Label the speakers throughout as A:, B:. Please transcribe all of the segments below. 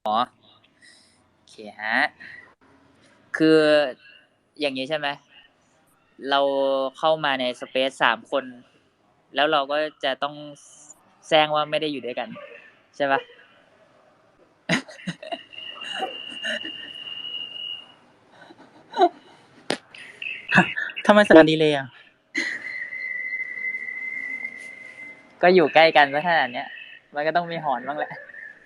A: โอเคฮะคืออย่างนี้ใช่ไหมเราเข้ามาในสเปซ3 คนแล้วเราก็จะต้องแซงว่าไม่ได้อยู่ด้วยกันใช่ปะ
B: ทำไมสัญญาณดีเลยอ่ะ
A: ก็อยู่ใกล้กันซะขนาดเนี้ยมันก็ต้องมีหอนบ้างแหละ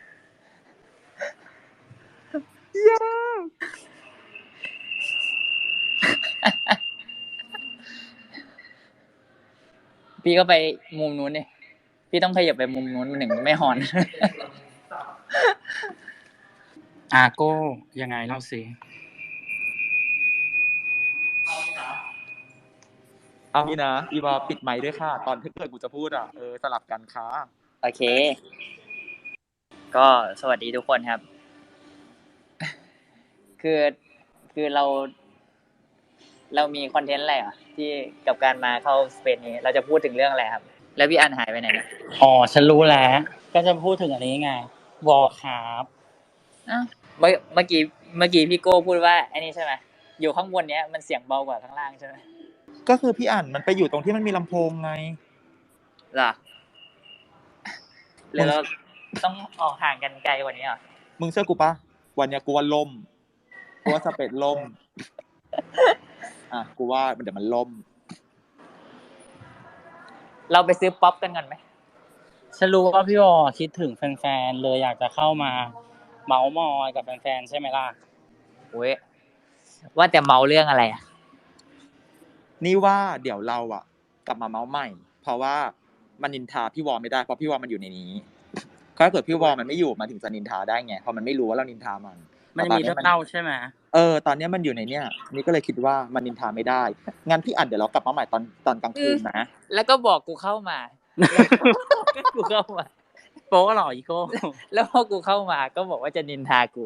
A: พี่ก็ไปมุมนู้นนี่พี่ต้องขยับไปมุมนู้นมันถึงไม่หอน
B: โก้ยังไงเล่าสิ
C: เอางี้นะอีวาปิดไมค์ด้วยค่ะตอนที่เกิดกูจะพูดสลับกันค่ะ
A: โอเคก็สวัสดีทุกคนครับคือเรามีคอนเทนต์อะไรที่กับการมาเข้าสเปนนี้เราจะพูดถึงเรื่องอะไรครับแล้วพี่อันหายไปไหนเนี่ย
B: ฉันรู้แล้วก็จะพูดถึงอันนี้ไงวอลครับ
A: เมื่อกี้พี่โก้พูดว่าไอ้นี่ใช่ไหมอยู่ข้างบนเนี้ยมันเสียงเบากว่าข้างล่างใช่ไหม
C: ก็คือพี่อ่านมันไปอยู่ตรงที่มันมีลำโพงไง
A: หรอหรือเราต้องออกห่างกันไกลกว่านี้เหรอ
C: มึงเชื่อกูปะวันเนี้ยกูว่าล่มกูว่าสเปซล่มกูว่าเดี๋ยวมันล่ม
A: เราไปซื้อป๊อปกันก่อนไหม
B: ฉันรู้ว่าพี่วอคิดถึงแฟนๆเลยอยากจะเข้ามาเมาส์มอยกับแฟนๆใช่ไหมล่ะ
A: โอ้ยว่าแต่เมาเรื่องอะไร
C: นี่ว่าเดี๋ยวเรากลับมาเมาส์ใหม่เพราะว่ามันนินทาพี่วอไม่ได้เพราะพี่วอมันอยู่ในนี้ถ้าเกิดพี่วอมันไม่อยู่มันถึงจะนินทาได้ไงเพราะมันไม่รู้ว่าเรานินทามัน
B: มีเรื่องเล่าใช่ไหม
C: ตอนนี้มันอยู่ในเนี้ยนี่ก็เลยคิดว่ามันนินทาไม่ได้งั้นพี่อัดเดี๋ยวเรากลับมาใหม่ตอนกลางคืนนะ
A: แล้วก็บอกกูเข้ามากูเข้ามา
B: โป๊ะหรออีโก้
A: แล้วพอกูเข้ามาก็บอกว่าจะนินทากู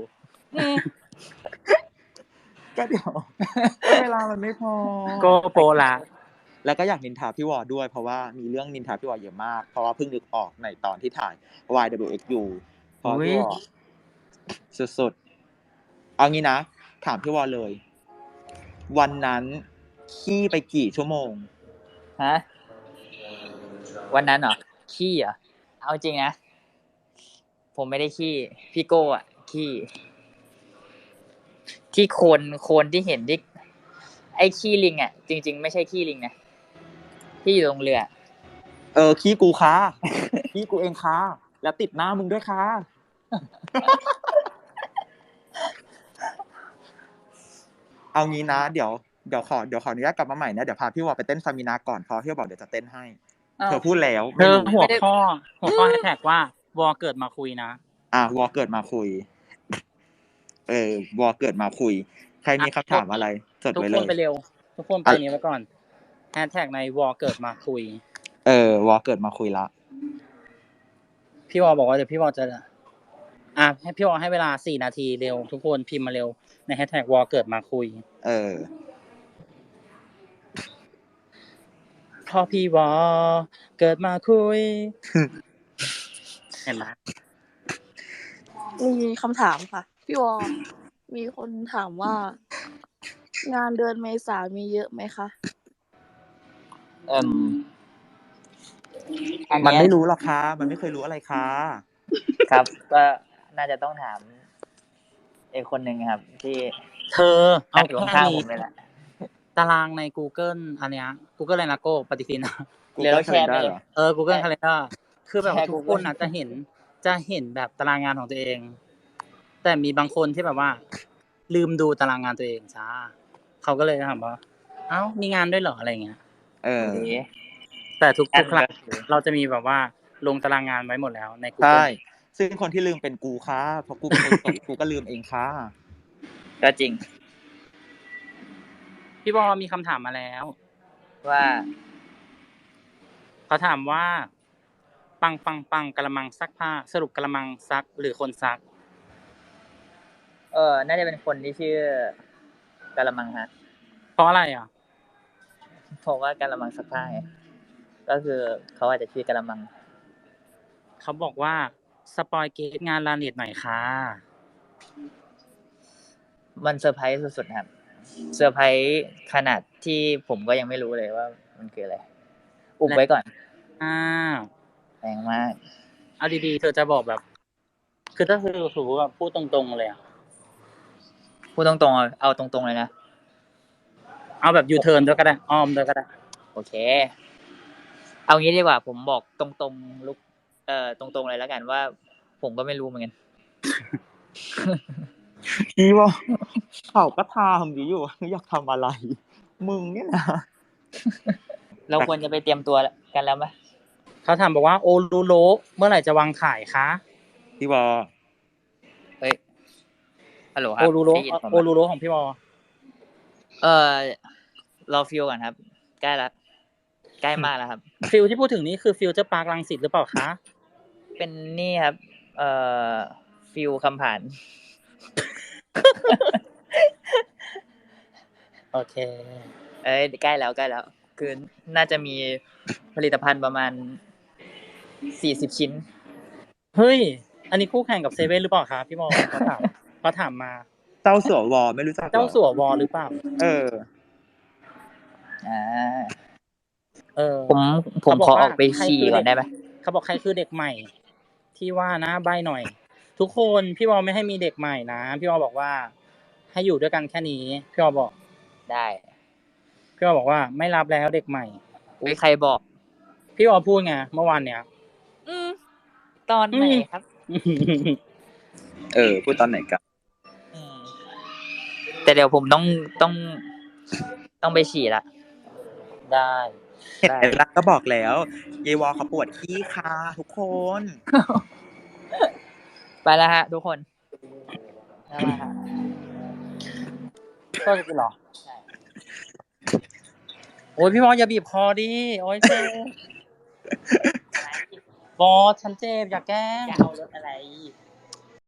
C: ก็เดี๋ยวเวลามันไม่พอ
B: ก็โป๊ะละ
C: แล้วก็อยากนินทาพี่วอด้วยเพราะว่ามีเรื่องนินทาพี่วอเยอะมากเพราะว่าเพิ่งนึกออกในตอนที่ถ่าย YWXU เพราะพี่วอสุดๆเอางี้นะถามพี่วอเลยวันนั้นขี้ไปกี่ชั่วโมง
A: ฮะวันนั้นเหรอขี้เหรอเอาจริงนะผมไม่ได้ขี้พี่โก้ขี้ที่โคนที่เห็นที่ไอ้ขี้ลิงจริงๆไม่ใช่ขี้ลิงนะที่อยู่ตรงเรือ
C: ขี้กูค่ะขี้กูเองค่ะแล้วติดหน้ามึงด้วยค่ะเอางี้นะเดี๋ยวขออนุญาตกลับมาใหม่นะเดี๋ยวพาพี่วอไปเต้นซามินาก่อนเพราะพี่วอบอกเดี๋ยวจะเต้นให้เธอพูดแล้ว
B: เธอหัวข้อแท็กว่าวอเกิดมาคุยนะ
C: วอเกิดมาคุยวอเกิดมาคุยใครมีคำถามอะไรจดไว้เลย
B: ทุกคนไปเร็วทุกคนไปนี้ไว้ก่อนแฮชแท็กในวอเกิดมาคุยว
C: อเกิดมาคุยละ
B: พี่วอบอกว่าเดี๋ยวพี่วอจะให้พี่วอให้เวลา4 นาทีเร็วทุกคนพิมพ์มาเร็วในแฮชแท็กวอเกิดมาคุยพอพี่วอเกิดมาคุยเห็นไหม
D: มีคำถามค่ะพี่วอมีคนถามว่างานเดือนเมษามีเยอะไหมคะ
C: มันไม่รู้หรอกค่ะมันไม่เคยรู้อะไรค่ะ
A: ครับก็น่าจะต้องถามไอ้คนหนึ่งครับที่
B: เธอเอา
A: อยู่ข้างผมเลยแหละ
B: ตารางใน Google อันเนี้ย Google อะไรนะโก้ปฏิทิน
A: Google Calendar
B: Google Calendar คือแบบทุกคนจะเห็นแบบตารางงานของตัวเองแต่มีบางคนที่แบบว่าลืมดูตารางงานตัวเองจ้าเขาก็เลยถามว่ามีงานด้วยเหรออะไรเงี้ยแต่ทุกครั้งเราจะมีแบบว่าลงตารางงานไว้หมดแล้วใน Google
C: ใช่ซึ่งคนที่ลืมเป็นกูค่ะเพราะกูเป็นคนตกกูก็ลืมเองค่ะ
A: ก็จริง
B: พี่บอมีคำถามมาแล้ว
A: ว่า
B: เขาถามว่าปังกะละมังซักผ้าสรุปกะละมังซักหรือคนซัก
A: น่าจะเป็นคนที่ชื่อกะละมังฮะ
B: เพราะอะไร
A: เพราะว่ากะละมังซักผ้าก็คือเขาอาจจะชื่อกะละมัง
B: เขาบอกว่าสปอยเกตงานลาเน็ตหน่อยค่ะ
A: มันเซอร์ไพรส์สุดๆครับเซอร์ไพรส์ขนาดที่ผมก็ยังไม่รู้เลยว่ามันคืออะไรอุบไว้ก่อน
B: อ้าว
A: แรงมาก
B: เอาดีๆเธอจะบอกแบบ คือถ้าคือถือว่าพูดตรงๆเลยอะ
A: พูดตรงๆเอาตรงๆเลยนะ
B: เอาแบบยูเทิร์นด้วยก็ได้อ้อมด้วยก็ได้
A: โอเค เอางี้ดีกว่า ผมบอกตรงๆลุกตรงๆเลยแล้วกันว่า ผมก็ไม่รู้เหมือนกัน
C: พี่ว่าเขาก็ทำอยู่อยากทำอะไร มึงเนี่ยนะ
A: เราควรจะไปเตรียมตัวกันแล้วไหม
B: เขาถามบอกว่าโอรูโรเมื่อไหร่จะวางขายคะ
C: พี่วอ
A: เฮ้ยฮัลโหลครั
B: โอบ รูโร
A: ได้ยินผม
B: โอ
A: ไหม
B: รูโรของพี่วอ
A: รอฟิลก่อนครับ ใกล้ละใกล้มากแล้วครับ
B: ฟิลที่พูดถึงนี้คือฟิลเจอร์พาร์ครังสิตหรือเปล่าคะ
A: เป็นนี่ครับฟิลคำผ่าน
B: โอเค
A: ใกล้แล้วคือน่าจะมีผลิตภัณฑ์ประมาณ40 ชิ้น
B: เฮ้ย อันนี้คู่แข่งกับเซเว่นหรือเปล่าคะพี่วอเขาถามมา
C: เจ้าสัววอไม่รู้จักหรอ
B: เจ้าสัววอหรือเปล่า
C: เออ
A: ผมขอออกไปฉี่ก่อนได้ไหม
B: เขาบอกใครคือเด็กใหม่ ที่ว่านะใบหน่อย ทุกคนพี่วอไม่ให้มีเด็กใหม่นะพี่วอบอกว่า ให้อยู่ด้วยกันแค่นี้พี่วอบอก
A: ได้
B: พี่วอบอกว่าไม่รับแล้วเด็กใหม่
A: ใครบอก
B: พี่วอพูดไงเมื่อวานเนี้ย
A: ตอนไหนครับ
C: พูดตอนไหนกัน
A: แต่เดี๋ยวผมต้องไปฉี่ละ
B: ได้
C: เห็นไหมล่ะก็บอกแล้วเยวอเขาปวดขี้ค่ะทุกคน
A: ไปแล้วฮะทุกคนได้แล้วฮะ
B: ก็จะเป็นหรอใช่โอ้ยพี่วออย่าบีบคอดิโอ้ยเจ็บบอสฉันเจ็บอย่าแกล้ง
A: จะเอารถอะไร